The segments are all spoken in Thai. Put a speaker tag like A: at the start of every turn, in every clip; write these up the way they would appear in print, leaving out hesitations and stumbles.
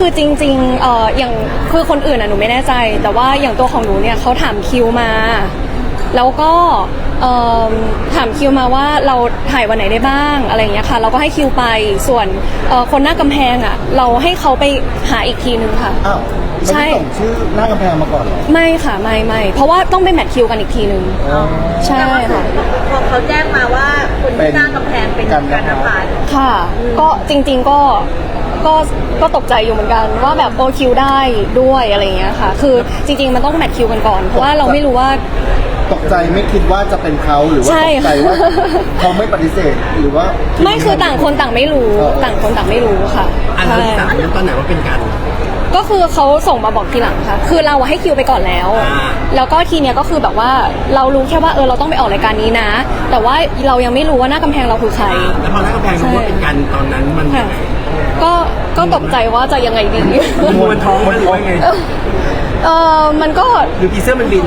A: คือจริงๆอย่างคือคนอื่นหนูไม่แน่ใจแต่ว่าอย่างตัวของหนูเนี่ยเขาถามคิวมาแล้วก็ถามคิวมาว่าเราถ่ายวันไหนได้บ้างอะไรอย่างเงี้ยค่ะเราก็ให้คิวไปส่วนคนหน้ากำแพงอ่ะเราให้เขาไปหาอีกทีนึงค่ะ
B: อ้าวไม่ได้ส่งชื่อหน้ากำแพงมาก่อนเหรอ
A: ไม่ค่ะไม่เพราะว่าต้องไปแมทคิวกันอีกทีนึงใช่ค่ะ
C: พอเขาแจ้งมาว่าคนที่หน้ากำแพงเป็นการนภัส
A: ค่ะก็จริงๆก็ตกใจอยู่เหมือนกันว่าแบบคิวได้ด้วยอะไรอย่างเงี้ยค่ะคือจริงๆมันต้องแมทคิวกันก่อนเพราะว่าเราไม่รู้ว่า
B: ตกใจไม่คิดว่าจะเป็นเขาหรือว่าตกใจว่าเขาไม่ปฏิเสธหรือว่า
A: ไม่คือต่างคนต่างไม่รู้ต่างคนต่างไม่รู้ค่ะ
D: อันที่ต่างตอนไหนว่าเป็นกัน
A: ก็คือเขาส่งมาบอกทีหลังค่ะคือเราให้คิวไปก่อนแล้วแล้วก็ทีเนี้ยก็คือแบบว่าเรารู้แค่ว่าเราต้องไปออกรายการนี้นะแต่ว่าเรายังไม่รู้ว่าหน้ากำแพงเราคือใคร
D: แล้วพอหน้ากำแพงรู้ว่าเป็นกันตอนนั้นมัน
A: ก็ตกใจว่าจะยังไงดี
D: มันท้องมันหรือว่าไง
A: มันก็
D: หรือผีเสื้อมันบิน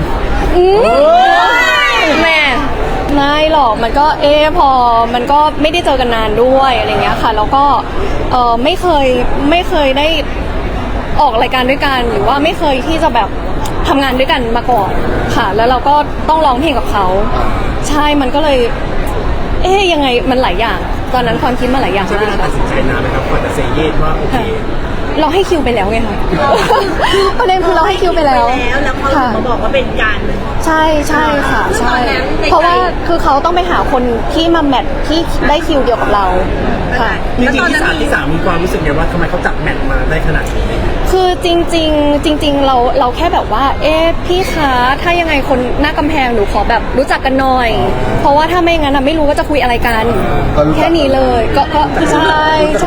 A: แม่ไม่หรอกมันก็พอมันก็ไม่ได้เจอกันนานด้วยอะไรเงี้ยค่ะแล้วก็ไม่เคยได้ออกรายการด้วยกันหรือว่าไม่เคยที่จะแบบทำงานด้วยกันมาก่อนค่ะแล้วเราก็ต้องร้องเพลงกับเขาใช่มันก็เลยยังไงมันหลายอย่างตอนนั้นความคิดมาหลายอย่าง
D: ใช้เวลาตัดสินใจนานไหมครับกว่าจะเซเยสว่าโอเค
A: เราให้คิวไปแล้วไงคะประเด็นคือเราให้คิวไปแล้ว
C: แล้วเขามาบอกว่าเป็นการ
A: ใช่ค่ะใช่เพราะว่าคือเขาต้องไปหาคนที่มาแมทที่ได้คิวเดียวกับเราค่ะ
D: จริงๆที่สามมีความรู้สึกไงว่าทำไมเขาจับแมทมาได้ขนาดนี้
A: คือจริงเราแค่แบบว่าพี่คะถ้ายังไงคนหน้ากำแพงหนูขอแบบรู้จักกันหน่อยเพราะว่าถ้าไม่งั้นไม่รู้ว่าจะคุยอะไรกันแค่นี้เลยก็ใช่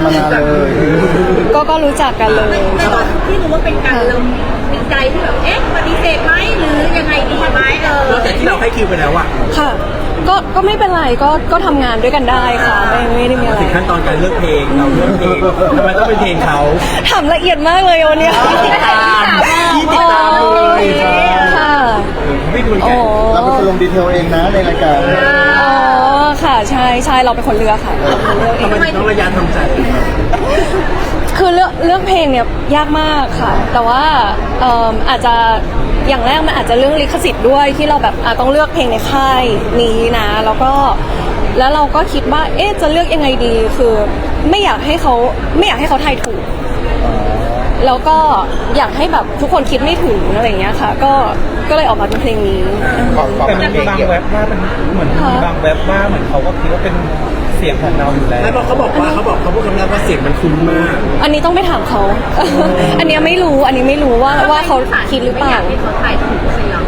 A: ก็รู้จักกันเลย
C: แต่ตอนที่รู้ว่าเป็นการเรามีใจที่แบบปฏิเสธไหมหรือยังไงดีไหม
D: แล้วแต่ที่เราให้คิวไปแล้วอะ
A: ค่ะก็ไม่เป็นไรก็ทำงานด้วยกันได้ค่ะไม่ได้มีอะไร
D: ถึงขั้นตอนการเลือกเพลงเราเลือกเพลงทำไมต้องเป็นเพลงเขา
A: ทำละเอียดมากเลยวันนี้
D: ที่ติดตามเลย
A: ค่ะ
D: ไม่ดูแก
B: เราเป็นคนลงดีเทลเองนะในรายการ
A: ค่ะใช่เราเป็นคนเลือกค่ะ
D: ทำไมต้องระยะทำใจ
A: คือเลือกเพลงเนี่ยยากมากค่ะแต่ว่าอาจจะอย่างแรกมันอาจจะเรื่องลิขสิทธิ์ด้วยที่เราแบบต้องเลือกเพลงในค่ายนี้นะแล้วเราก็คิดว่าจะเลือกยังไงดีคือไม่อยากให้เขาทายถูกแล้วก็อยากให้แบบทุกคนคิดไม่ถึงอะไรอย่างเงี้ยค่ะก็เลยออกมาเป็นเพลงนี้
E: แต่มันมีบางเว็บว่ามันเหมือนมีบางเว็บว่าเหมือนเขาก็คิดว่าเป็นเสียงของเราอยู่แล้ว
D: แล้วเขาบอกเขาพูดคำแรกว่าเสียงมันคุ้นมาก
A: อันนี้ต้องไปถามเขาอันนี้ไม่รู้ว่าเขาคิดหรือเปล่า
C: ที่เขาถ่ายถูกใช่ไหม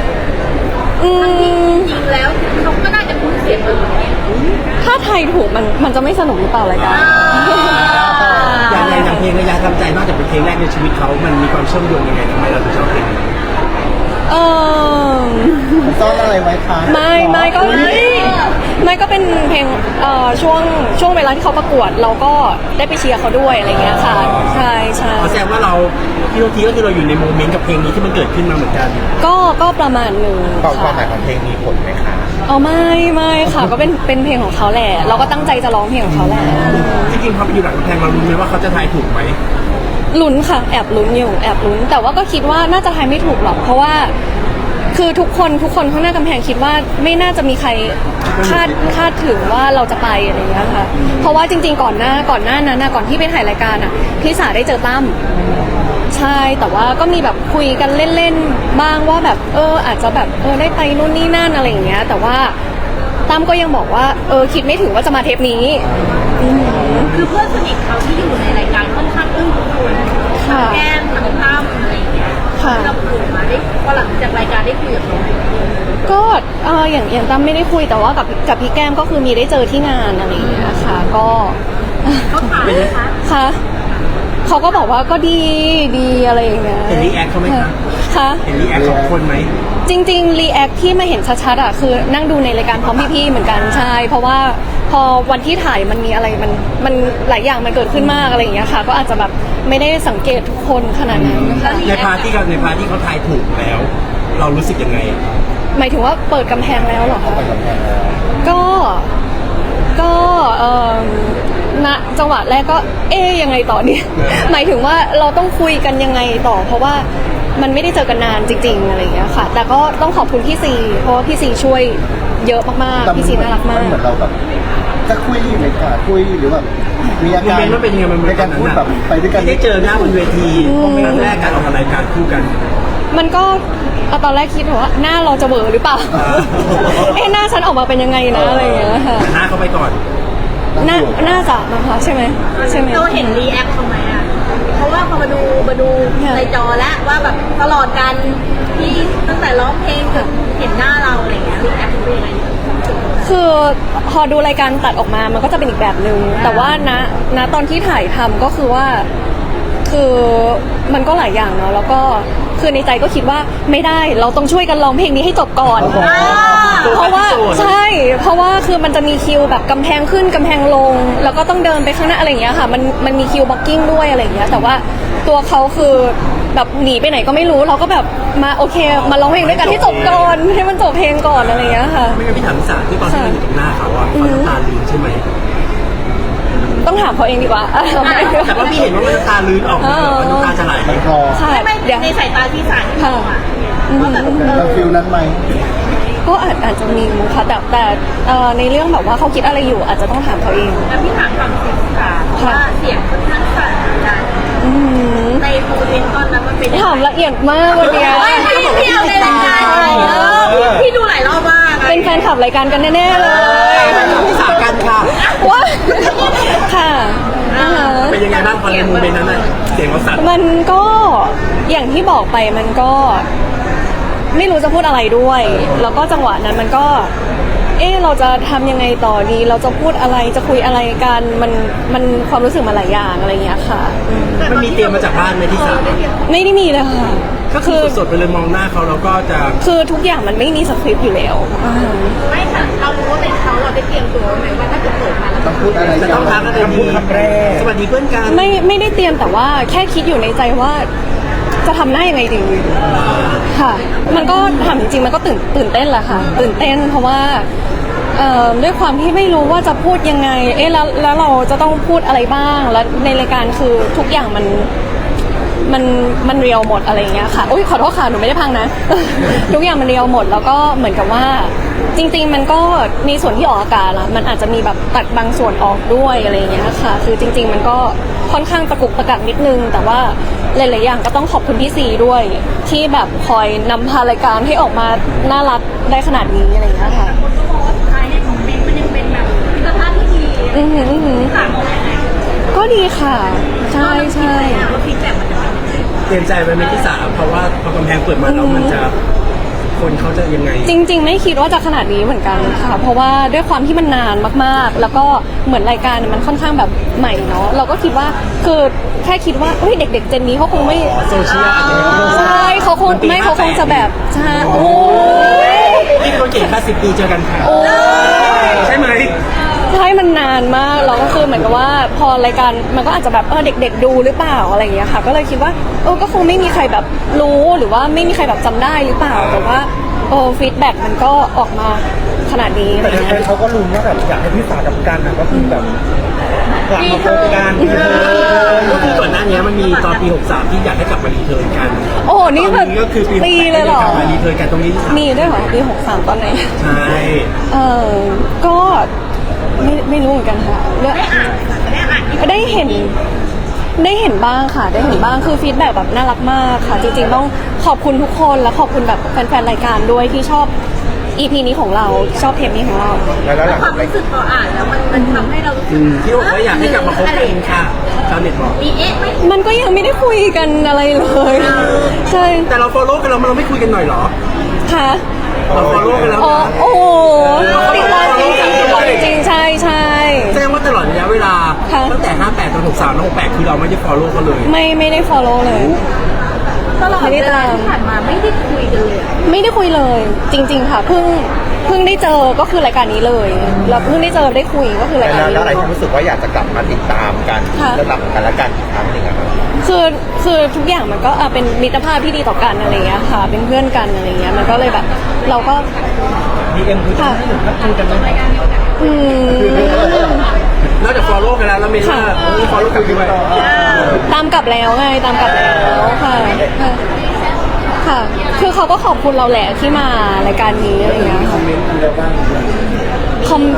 C: จริงแล้วเขาก็น่าจะคุ้นเสียงอื่น
A: ถ้าไทยถูกมันจะไม่สนุกหรือเปล่ารายการ
D: อย่างเพลงระยะทำใจนอกจากเป็นเพลงแรกในชีวิตเขามันมีความเชื่อมโยงยังไงทำไมเราถึงชอบเพลง
B: ซ่อนอะไรไว้คะ
A: ไม่ก็เป็นเพลงช่วงเวลาที่เขาประกวดเราก็ได้ไปเชียร์เขาด้วยอะไรเงี้ยค่ะใช่
D: แสดงว่าเราพี่ทีก็คือเราอยู่ในโมเมนต์กับเพลงนี้ที่มันเกิดขึ้นมาเหมือนกัน
A: ก็ประมาณหนึ่ง
B: ความหมายของเพลงมีผลไหมคะ
A: ไม่ค่ะก็เป็นเพลงของเขาแหละเราก็ตั้งใจจะร้องเพลงของเขาแหละ
D: จริงๆพอไปอยู่หลังกำแพงเรารู้ไหมว่าเขาจะทายถูกไหม
A: ลุ้นค่ะแอบลุ้นแต่ว่าก็คิดว่าน่าจะทายไม่ถูกหรอกเพราะว่าคือทุกคนข้างหน้ากำแพงคิดว่าไม่น่าจะมีใครคาดถึงว่าเราจะไปอะไรอย่างเงี้ยค่ะเพราะว่าจริงๆก่อนหน้านั้นก่อนที่ไปถ่ายรายการพี่สาได้เจอตั้มใช่แต่ว่าก็มีแบบคุยกันเล่นๆบ้างว่าแบบอาจจะแบบได้ไปนู่นนี่นั่นอะไรอย่างเงี้ยแต่ว่าตั้มก็ยังบอกว่าคิดไม่ถึงว่าจะมาเทปนี้
C: คือเพื่อนสนิทเขาที่อยู่ในรายการค่อนข้างอึ้งทุกคนแก้มทั้งตั้มอะไรอย่างเงี้ยเราคุยมาได้พอหลังจากรายการได้คุยกับเขา
A: ก็อย่างตั้มไม่ได้คุยแต่ว่ากับพี่แก้มก็คือมีได้เจอที่งานอะไรอย่างเงี้ยค่ะก็
C: เขาถามไหมคะ
A: ค่ะเขาก็บอกว่าก็ดีอะไรอย่างเงี้ย
D: เห็นรีแอคเขาไหม
A: คะ
D: เห็นรีแอคของคนไหม
A: จริงๆรีแอคที่มาเห็นชัดๆคือนั่งดูในรายการพร้อมพี่ๆเหมือนกันใช่เพราะว่าพอวันที่ถ่ายมันมีอะไรมันหลายอย่างมันเกิดขึ้นมากอะไรอย่างเงี้ยค่ะก็อาจจะแบบไม่ได้สังเกตทุกคนขนาดนั้น
D: ในพาร์ทที่เขาทายถูกแล้วเรารู้สึกยังไง
A: หมายถึงว่าเปิดกำแพงแล้วเหรอคะก็ณจังหวะแรกก็ยังไงต่อเนี่ย หมายถึงว่าเราต้องคุยกันยังไงต่อ เพราะว่ามันไม่ได้เจอกันนานจริงๆอะไรอย่างเงี้ยค่ะ แต่ก็ต้องขอบคุณพี่ซีเพราะว่าพี่ซีช่วยเยอะมากๆพี่ซีน่ารักมาก
B: เหมือนเราแบบจะคุยเลยค่ะคุยหรือแบบมีอาการ
D: โมเมนต์มันเป็นยังไงมัน
B: ในการพูดแบบไปด้วยกัน
D: ได้เจอหน้าบนเวทีครั้งแรกการออกรายการคู่กัน
A: มันก็ตอนแรกคิดว่าหน้าเราจะเบอหรือเปล่า หน้าฉันออกมาเป็นยังไงนะอะไรอย่างเงี้ยค่ะ
D: แต่หน้าเขาไปก่อน
A: น่าจะนะคะใช่ไหมใช่ไหม
C: เราเห็นรีแอคเขาไหมอ่ะเพราะว่าพอมาดูในจอแล้วว่าแบบตลอดการที่ตั้งแต่ร้องเพลงจนเห็นหน้าเราอะไรเงี้ยรีแอคเป็นยังไง
A: คือพอดูรายการตัดออกมามันก็จะเป็นอีกแบบนึงแต่ว่าณตอนที่ถ่ายทำก็คือว่าคือมันก็หลายอย่างเนาะแล้วก็คือในใจก็คิดว่าไม่ได้เราต้องช่วยกันร้องเพลงนี้ให้จบก่อน เพราะว่าใช่เพราะว่าคือมันจะมีคิวแบบกำแพงขึ้นกำแพงลง แล้วก็ต้องเดินไปข้างหน้าอะไรอย่างเงี้ยค่ะมันมีคิวบล็อกกิ้งด้วยอะไรอย่างเงี้ยแต่ว่าตัวเขาคือแบบหนีไปไหนก็ไม่รู้เราก็แบบมาโอเคมาร้องเพลงด้วยกันให้จบก่อนให้มันจบเพลงก่อนอะไรอย่างเงี้ยค่ะ
D: ไม่งั้นพี่ถามพี่สาวที่ตอนที่มันอยู่ตรงหน้าเขาอะเขาน้ำตาลื้นใช่ไหม
A: ต้องถามเขาเองดีกว่า
D: แต่ว่าพี่เห็นว่ามันน้ำตาลื้นออกมาแบบน้ำตาจะไหล
B: มันคอ
A: ใช่
C: ไม่
A: เดี๋ยว
C: ในสายตาที่สายที่มองอ่ะว่าแบบ
B: เราฟิลนั้นไหม
A: ก็อาจจะมีมุค่ะแต่ในเรื่องแบบว่าเขาคิดอะไรอยู่อาจจะต้องถามเขาเอง
C: แล้วพี่ถามความเสียงค่ะว่าเสียงค่อนข้างสั่นเหมือนกัน
A: อืม
C: ในโมเมนต์ตอนนั้นมันเป็น
A: ถามละเอียดมากวันเนี้ย
C: ไม่พี่เอาในรายการพี่ดูหลายรอบมาก
A: เป็นแฟนคลับรายการกันแน่ๆเลย
D: พี่สาวกันค่ะ
A: ว้าค่ะอ่าฮะ
D: เป็นยังไงบ้างพอในโมเมนต์นั้นน่ะเสียงเขาสั่น
A: มันก็อย่างที่บอกไปมันก็ไม่รู้จะพูดอะไรด้วย แล้วก็จังหวะนั้นมันก็เราจะทำยังไงต่อดี เราจะพูดอะไรจะคุยอะไรกันมันความรู้สึกมาหลายอย่างอะไรอย่างเงี้ยค่ะอืม
D: มันมีเตรียมมาจากบ้านไหมที่สาว
A: ไม่ได้มีเลยค่ะ
D: ก็คือสดๆไปเลยมองหน้าเขาเราก็จะ
A: คือทุกอย่างมันไม่มีสคริปต์อยู่แล้ว
C: ไม่ค่ะเรารู้ว่าเป็นเขาเราได้เตรียมตัวไหมว่าถ้าเกิดเปิดมาแล้ว
B: ต้องพูดอะไร
D: จะ
B: กั
D: ต้องทักกันเลยดีสวัสดีเพื่อนกัน
A: ไม่ได้เตรียมแต่ว่าแค่คิดอยู่ในใจว่าจะทำหน้ายังไงดีค่ะ มันก็ถามจริงๆมันก็ตื่นเต้นแหละค่ะ ตื่นเต้นเพราะว่าด้วยความที่ไม่รู้ว่าจะพูดยังไงแล้วเราจะต้องพูดอะไรบ้างแล้วในรายการคือทุกอย่างมันเรียวหมดอะไรอย่างเงี้ยค่ะอุ้ยขอโทษค่ะหนูไม่ได้พังนะ ทุกอย่างมันเรียวหมดแล้วก็เหมือนกับว่าจริงๆมันก็ในส่วนที่ออกอากาศละมันอาจจะมีแบบตัดบางส่วนออกด้วยอะไรอย่างเงี้ยค่ะคือจริง ๆ มันก็ค่อนข้างตะกุกตะกักนิดนึงแต่ว่าหลายๆอย่างก็ต้องขอบคุณพี่ซีด้วย ที่แบบคอยนำพารายการให้ออกมาน่ารักได้ขนาดนี้อะไรอย่างเงี้ยค่ะ
C: คนก็บอกว่าสุดท้ายเนี่ยคอมเมนต์มันยังเป็นแบบมิตรภาพที่ดี
A: อือหืออือหือ
C: ต่างกันยังไง
A: ก็ดีค่ะใช่ใช่
C: ว่าฟีดแบ็กมันจะเป็นยังไง
D: เตรียมใจไว้ไหมที่สาวเพราะว่าพอกำแพงเปิดมาแล้วมันจะคนเขาจะยังไง
A: จริงๆ ไม่คิดว่าจะขนาดนี้เหมือนกันค่ะ เพราะว่าด้วยความที่มันนานมากๆ แล้วก็เหมือนรายการมันค่อนข้างแบบใหม่เนาะเราก็คิดว่าคือแค่คิดว่าเฮ้ยเด็ก ๆ เจนนี้เขาคงไม่
D: โซเชียลอาจจะไม่รู้
A: ใช่เขาคงไม่เขาคงจะแบบใช่โอ้ย
D: นี่คนเก่ง50 ปีเจอกันค่ะ
A: โอ้ย
D: ใช่ไหม
A: ใช่มันนานมากแล้วก็คือเหมือนกับว่าพอรายการมันก็อาจจะแบบเด็ก ๆ ดูหรือเปล่าอะไรอย่างเงี้ยค่ะ ก็เลยคิดว่าก็คงไม่มีใครแบบรู้หรือว่าไม่มีใครแบบจำได้หรือเปล่าแต่ว่าฟีดแบ็กมันก็ออกมาขนาดนี้อะไร
E: แต่
A: เงี้
E: แฟน
A: ย
E: ๆเขาก็ลุ้นว่าแบบอยากให้พี่สาวกับกันน่ะก็คือแบบกลับมาพบกัน
D: ก็คือก่อนหน้านี้มันมีตอนปี 63 ที่อยากให้กลับมารีเทิร์นกัน
A: โอ้โหนี่
D: ตอ
A: แบบ
D: ก็คือปี
A: ปีเลยเหรอ
D: กลับมารีเทิร์นกันตรงนี้ที่สาม
A: มีด้วยเหรอปี63ตอนไหน
D: ใช่
A: ก็ไม่รู้เหมือนกันค่ะเรื่อง
C: ได้อ่านค่ะได้อ่านที่
A: ได้เห็นบ้างค่ะ ได้เห็นบ้างคือฟีดแบ็กแบบน่ารักมากค่ะ จริงๆต้องขอบคุณทุกคนและขอบคุณแบบแฟนๆรายการด้วยที่ชอบ EP นี้ของเราชอบเทปนี้ของเรา
E: แล้วหลัง
C: ความรู้สึกพออ่านแล้วมันทำให้เรารู้สึก
D: ที่บอกว่าอยากให้กลับมาคบกันค่ะชาวเน็ตบอก
C: มีไหม
A: มันก็ยังไม่ได้คุยกันอะไรเลยใช่
D: แต่เรา follow กันแล้วเราไม่คุยกันหน่อยเหรอ
A: ค่ะ
D: เรา follow กันแล้ว
A: อ๋อ
D: นะ
A: โอ้โหติดตามจริงๆใช่ใช่
D: แสดงว่าตลอดระยะเวลา
A: ค่ะ
D: ตั้งแต่ 58 จน 63 แล้ว 68 คือเราไม่ได้ follow เขาเลย
A: ไม่ได้ follow เลย
C: ตลอดเวลาที่ผ่านมาไม่ได้คุยกันเลย
A: ไม่ได้คุยเลย จริง ๆ ค่ะเพิ่งได้เจอก็คือรายการนี้เลยแล้วเพิ่งได้เจอได้คุยก็คือรายการนี้
E: แล้วอะไร
A: เลย
E: ที่รู้สึกว่าอยากจะกลับมาติดตามกัน
A: ค่ะ
E: เรื่องราวของกันและกันอีกครั้งหนึ่งอะครับ
A: คือทุกอย่างมันก็เป็นมิตรภาพที่ดีต่อกันอะไรเงี้ยค่ะ เป็นเพื่อนกันอะไรเงี้ยมันก็เลยแบบ เราก็
E: DM คือจะให้หนึ่งทักคุยกันไหม
A: อืม
D: นอกจาก follow กันแล้วเรามีว่าfollow กันด้วย
A: ตามกลับแล้วไงตามกลับแล้วค่ะค่ะ คือเขาก็ขอบคุณเราแหละที่มารายการนี้อะไรอย่างเงี้ย
B: คอมเมนต์กันแล้วบ้าง
A: คอม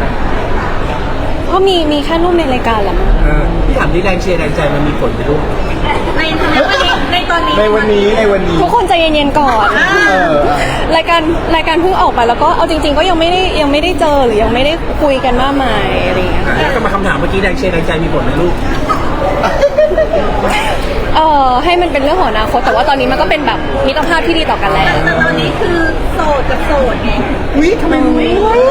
A: ก็มีแค่รูปในรายการแหละมั้ง
D: พี่ถามที่แรงเชียร์แรงใจมันมีผลไหมลูก
C: ในวันนี้ในตอนนี้
B: ในวันนี้
A: ทุกคนใจเย็นๆก่อน รายการเพิ่งออกไปแล้วก็เอาจริง ๆ ก็ยังไม่ได้เจอหรือยังไม่ได้คุยกันมากมายอะไรอย่างเงี้ย
D: ก็มาคำถามเมื่อกี้แรงเชียร์แรงใจมีผลไหมลูก
A: ให้มันเป็นเรื่องของอนาคตแต่ว่าตอนนี้มันก็เป็นแบบมิตรภาพที่ดีต่อกันแล้ว
C: แต่ตอนนี้คือโสดกับโสดไง
B: วิทำไมไม่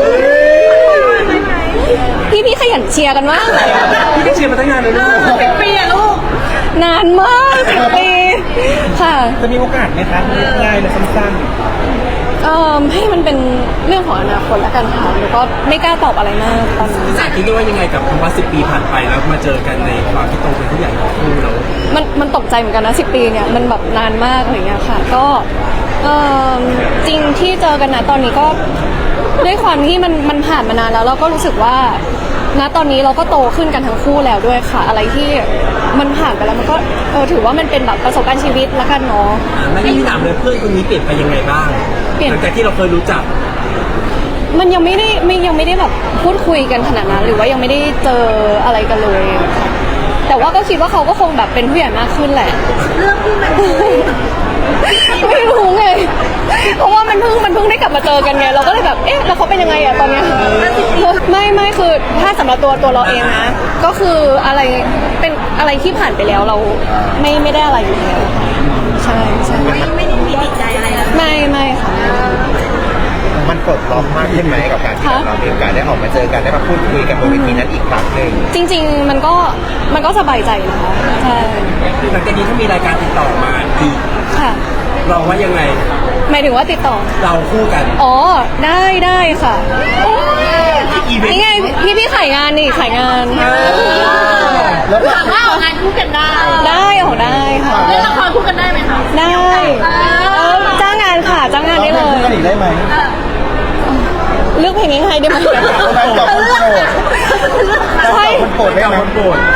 A: พี่ขยันเชียร์กันมากเลย
D: พี่ก็เชียร์มาตั้งนานเลยลูก
C: เป็นปีอะลูก
A: นานมาก10 ปีค่ะ
E: จะมีโอกาสไหมคะง่ายและสั้น
A: ให้มันเป็นเรื่องของอนาคตแล้วกันค่ะแล้วก็ไม่กล้าตอบอะไรมากตอนนี้
D: พี่สายคิดว่ายังไงกับคำว่า10 ปีผ่านไปแล้วมาเจอกันในความที่โตเป็นผู้ใหญ่ของคู่เรา
A: มันตกใจเหมือนกันนะ10 ปีเนี่ยมันแบบนานมากอะไรเงี้ยค่ะก็จริงที่เจอกันนะตอนนี้ก็ด้วยความที่มันผ่านมานานแล้วเราก็รู้สึกว่าณตอนนี้เราก็โตขึ้นกันทั้งคู่แล้วด้วยค่ะ อะไรที่มันผ่านไปแล้วมันก็ถือว่ามันเป็นแบบประสบการณ์ชีวิตแล้วกันเนาะ
D: ไม่ได้ถามเลยเพื่อนคนนี้เปลี่ยนไปยังไงบ้าง
A: เปลี่ยน
D: หลังจากที่เราเคยรู้จัก
A: มันยังไม่ได้แบบพูดคุยกันขนาดนั้นหรือว่ายังไม่ได้เจออะไรกันเลยค่ะแต่ว่าก็คิดว่าเขาก็คงแบบเป็นผู้ใหญ่มากขึ้นแหละ
C: เรื่องที่มัน
A: ไม่รู้ไงเพราะว่ามันเพิ่งได้กลับมาเจอกันไงเราก็เลยแบบเอ๊ะแล้วเขาเป็นยังไงอะตอนเนี้ยไม่คือถ้าสำหรับตัวเราเองนะก็คืออะไรเป็นอะไรที่ผ่านไปแล้วเราไม่ได้อะไรอยู่แล้วใช่ใช่
C: ไม่ได้มีติดใจอะไรแล้ว
A: ไม่ค่ะ
B: มันปลดล็อกมากขึ้นไหมกับการที่เรามีโอกาสได้ออกมาเจอกันได้มาพูดคุยกันบนเวทีนั้นอีกครั้งหนึ่ง
A: จริงๆมันก็สบายใจนะคะใช่
D: หลังจากนี้ถ้ามีรายการติดต่อมาอีก
A: ค่ะ
D: เราว่ายังไง
A: หมายถึงว่าติดต่อ
D: เราคู่กัน
A: อ๋อได้ค่ะ
D: อีเวนต์
A: นี่ไงพี่ขายงานนี่ขายงาน
B: แล้วก็
C: ถามว่าออกงานคู่กันได้
A: ได้ค่ะ
C: เล่นละครคู่กันได้ไหมคะ
A: ได้จ้างงานค่ะจ้างงานได้เลย
B: กันอีกได้ไหม
A: เลือกเพลงง่ายๆได้ไหม
B: การตอบคนโปรด
A: ใช่
B: คนโปรดได้ไหม
D: คนโปรด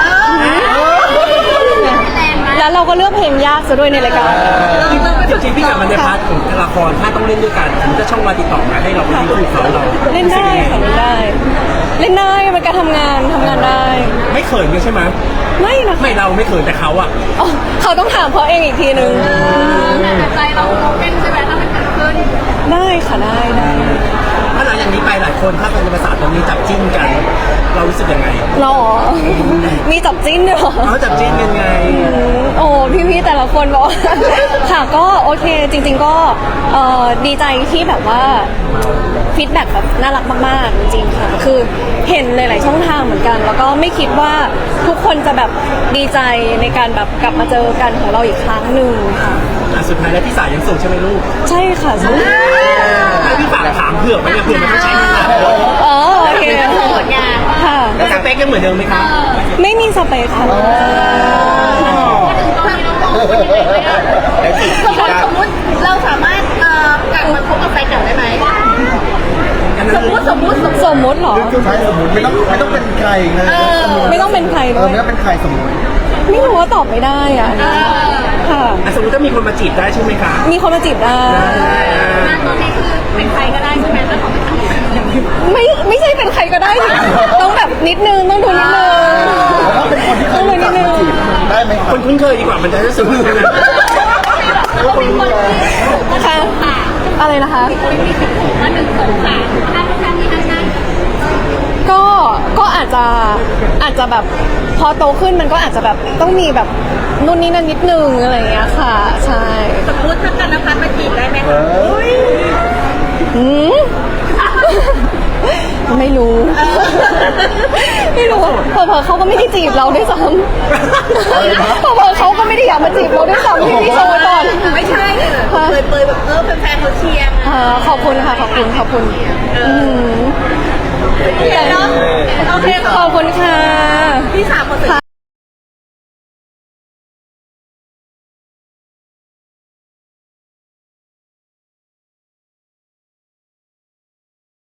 A: แล้วเราก็เลือกเพลงยากซะด้วยในรายการ
D: จริงๆพี่กลับมาในพาร์ทของละครถ้าต้องเล่นด้วยกันถ้าช่องมาติดต่อมาให้เราเป็นคู่เขาเรา
A: เล่นได้ค่ะเล่นได้มันการทำงานได้
D: ไม่เขินกันใช่ไหม
A: ไม่นะคะ
D: ไม่เราไม่เขินแต่เขาอะ
A: อ๋อเขาต้องถามเขาเองอีกทีนึง
C: แต่ใจเราเป็นใช่ไหมถ้ามันเกิดขึ้น
A: ได้ค่ะได้
D: ถ้าหลังจากนี้ไปหลายคนถ้าเป็นภาษาตรงนี้จับจิ้นกัน เรารู้สึกยังไง
A: หรอมีจับจิ้นด้วยเหรอ
D: เขาจับจิ้นกันไง
A: โอ้พี่ๆแต่ละคนบอก ค่ะก็โอเคจริงๆก็ดีใจที่แบบว่าฟีดแบ็กแบบน่ารักมากๆจริงๆค่ะคือเห็นหลายๆช่องทางเหมือนกัน แล้วก็ไม่คิดว่าทุกคนจะแบบดีใจในการแบบกลับมาเจอกันของเราอีกครั้งหนึ่งค่ะ
D: สุดท้ายแล้วพี่สายยังโสดใช่ไหมลูก
A: ใช่ค่ะใช่
D: ให้พี่ฝากถามเผื่อไว้เนี่ยเผื่อมันต้องใช้เวลา
A: อ๋อโอเค
C: โสดไง
A: ค่ะ
D: แล้วสเปคยังเหมือนเดิมไหมครับ
A: ไม่มีสเปคค่ะ
C: สมมติเราสามารถกลับมาคบกับแฟนเก่าได้ไหม
D: อันนั้น
C: สมมติ
A: สมมติเหรอ
B: ใช่สมมติไม่ต้องเป็นใครนะ
A: ไม่ต้องเป็นใครด้วย
B: ไม่ต้องเป็นใครสมมติ
A: ไม่รู้ว่าตอบไม่ได้อ่ะค่ะ
D: สมมติถ้ามีคนมาจีบได้ใช่ไหมคะ
A: มีคนมาจีบได้
C: ตอนนี้คือเป็นใครก็ได้ใช่ไหมถ้าเขาไม่ทำ
A: ไม่ใช่เป็นใครก็ได้สิต้องแบบนิดนึงต้องดูนิดนึง
B: ถ้าเป็นคนที่เคยรู้จักมาจีบได้ไหมค
D: ครับ นคุ้นเคยดีกว่ามันจะรู้สึกว่า
C: แล้วมีคน
A: ค่ะอะไรนะคะ
C: มาหนึ่งสองสามห้าท่านที่ท่าน
A: ก็อาจจะแบบพอโตขึ้นมันก็อาจจะแบบต้องมีแบบนู่นนี่นั่นนิดนึงอะไรอย่างเงี้ยค่ะใช่
C: สมมติถ้ากันนภัสมาจีบได้ไหม
A: อืมไม่รู้เผลอๆเขาก็ไม่ได้จีบเราด้วยซ้ำเผลอๆเขาก็ไม่ได้อยากมาจีบเราด้วยซ้ำพี่โชว์ไว้ก่อน
C: ไม่ใช่เปยแบบแฟนเขาเชียร์
A: ขอบคุณค่ะขอบคุณ
C: โอเค
A: ขอบคุณค่ะ